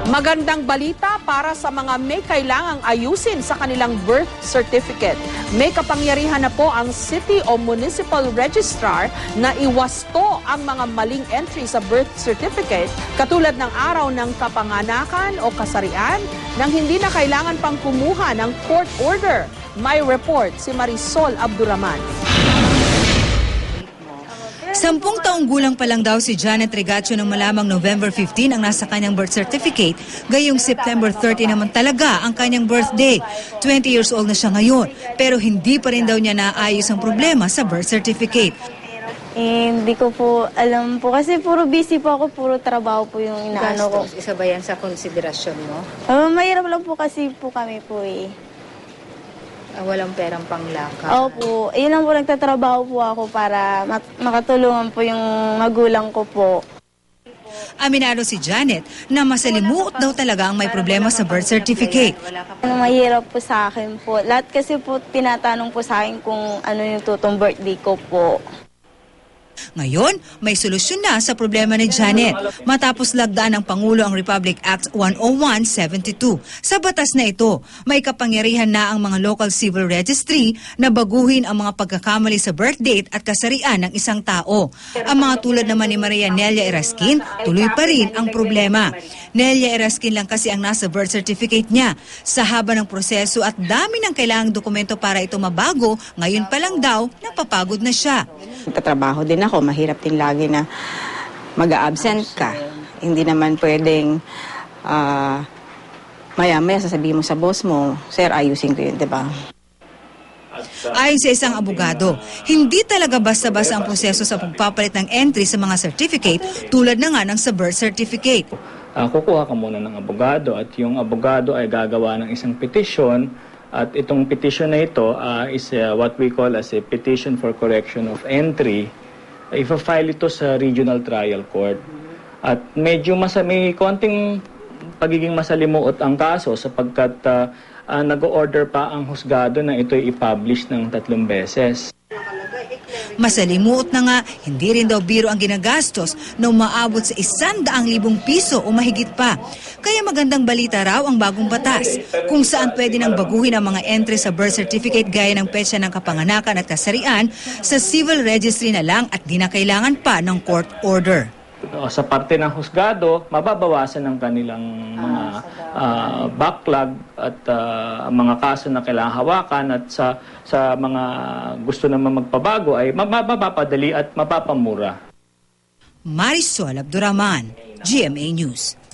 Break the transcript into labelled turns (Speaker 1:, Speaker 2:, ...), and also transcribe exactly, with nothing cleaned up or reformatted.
Speaker 1: Magandang balita para sa mga may kailangang ayusin sa kanilang birth certificate. May kapangyarihan na po ang City o Municipal Registrar na iwasto ang mga maling entry sa birth certificate katulad ng araw ng kapanganakan o kasarian nang hindi na kailangan pang kumuha ng court order. May report si Marisol Abduraman.
Speaker 2: Sampung taong gulang pa lang daw si Janet Regacio nang malamang November fifteenth ang nasa kanyang birth certificate. Gayong September thirty naman talaga ang kanyang birthday. twenty years old na siya ngayon, pero hindi pa rin daw niya naayos ang problema sa birth certificate.
Speaker 3: Eh, hindi ko po alam po kasi puro busy po ako, puro trabaho po yung inaano ko.
Speaker 4: Gastos, isa ba yan sa konsiderasyon mo?
Speaker 3: Uh, mahirap lang po kasi po kami po eh.
Speaker 4: Uh, walang perang panglakad.
Speaker 3: Opo, yun lang po nagtatrabaho po ako para mak- makatulungan po yung magulang ko po.
Speaker 2: Aminado si Janet na masalimuot daw talaga ang may problema sa birth certificate.
Speaker 3: Ano mahirap po sa akin po. Lahat kasi po tinatanong po sa akin kung ano yung tutong birthday ko po.
Speaker 2: Ngayon, may solusyon na sa problema ni Janet matapos lagdaan ng Pangulo ang Republic Act one oh one seventy-two. Sa batas na ito, may kapangyarihan na ang mga local civil registry na baguhin ang mga pagkakamali sa birth date at kasarian ng isang tao. Ang mga tulad naman ni Maria Nelia Eraskin, tuloy pa rin ang problema. Nelia Eraskin lang kasi ang nasa birth certificate niya. Sa haba ng proseso at dami ng kailangang dokumento para ito mabago, ngayon pa lang daw, napapagod na siya.
Speaker 5: Tatrabaho din ako, mahirap din lagi na mag-absent ka. Hindi naman pwedeng uh, maya-maya sasabihin mo sa boss mo, sir, ayusin ko yun, di ba?
Speaker 2: Ayon sa isang abogado, hindi talaga basta-basta ang proseso sa pagpapalit ng entry sa mga certificate tulad na nga ng sa birth certificate.
Speaker 6: Uh, kukuha ka muna ng abogado at yung abogado ay gagawa ng isang petition. At itong petition na ito uh, is uh, what we call as a petition for correction of entry. Uh, Ipa-file ito sa regional trial court. At medyo masa may konting pagiging masalimuot ang kaso sapagkat uh, uh, nag-order pa ang husgado na ito i-publish ng tatlong beses.
Speaker 2: Masalimuot na nga, hindi rin daw biro ang ginagastos na umaabot sa isandaang libong piso o mahigit pa. Kaya magandang balita raw ang bagong batas, kung saan pwede nang baguhin ang mga entry sa birth certificate gaya ng petsa ng kapanganakan at kasarian sa civil registry na lang at di na kailangan pa ng court order.
Speaker 6: Sa parte ng husgado, mababawasan ang kanilang mga uh, backlog at uh, mga kaso na kailangan hawakan at sa sa mga gusto naman magpabago ay mapapadali at mapapamura.
Speaker 2: Marisol Abduraman, G M A News.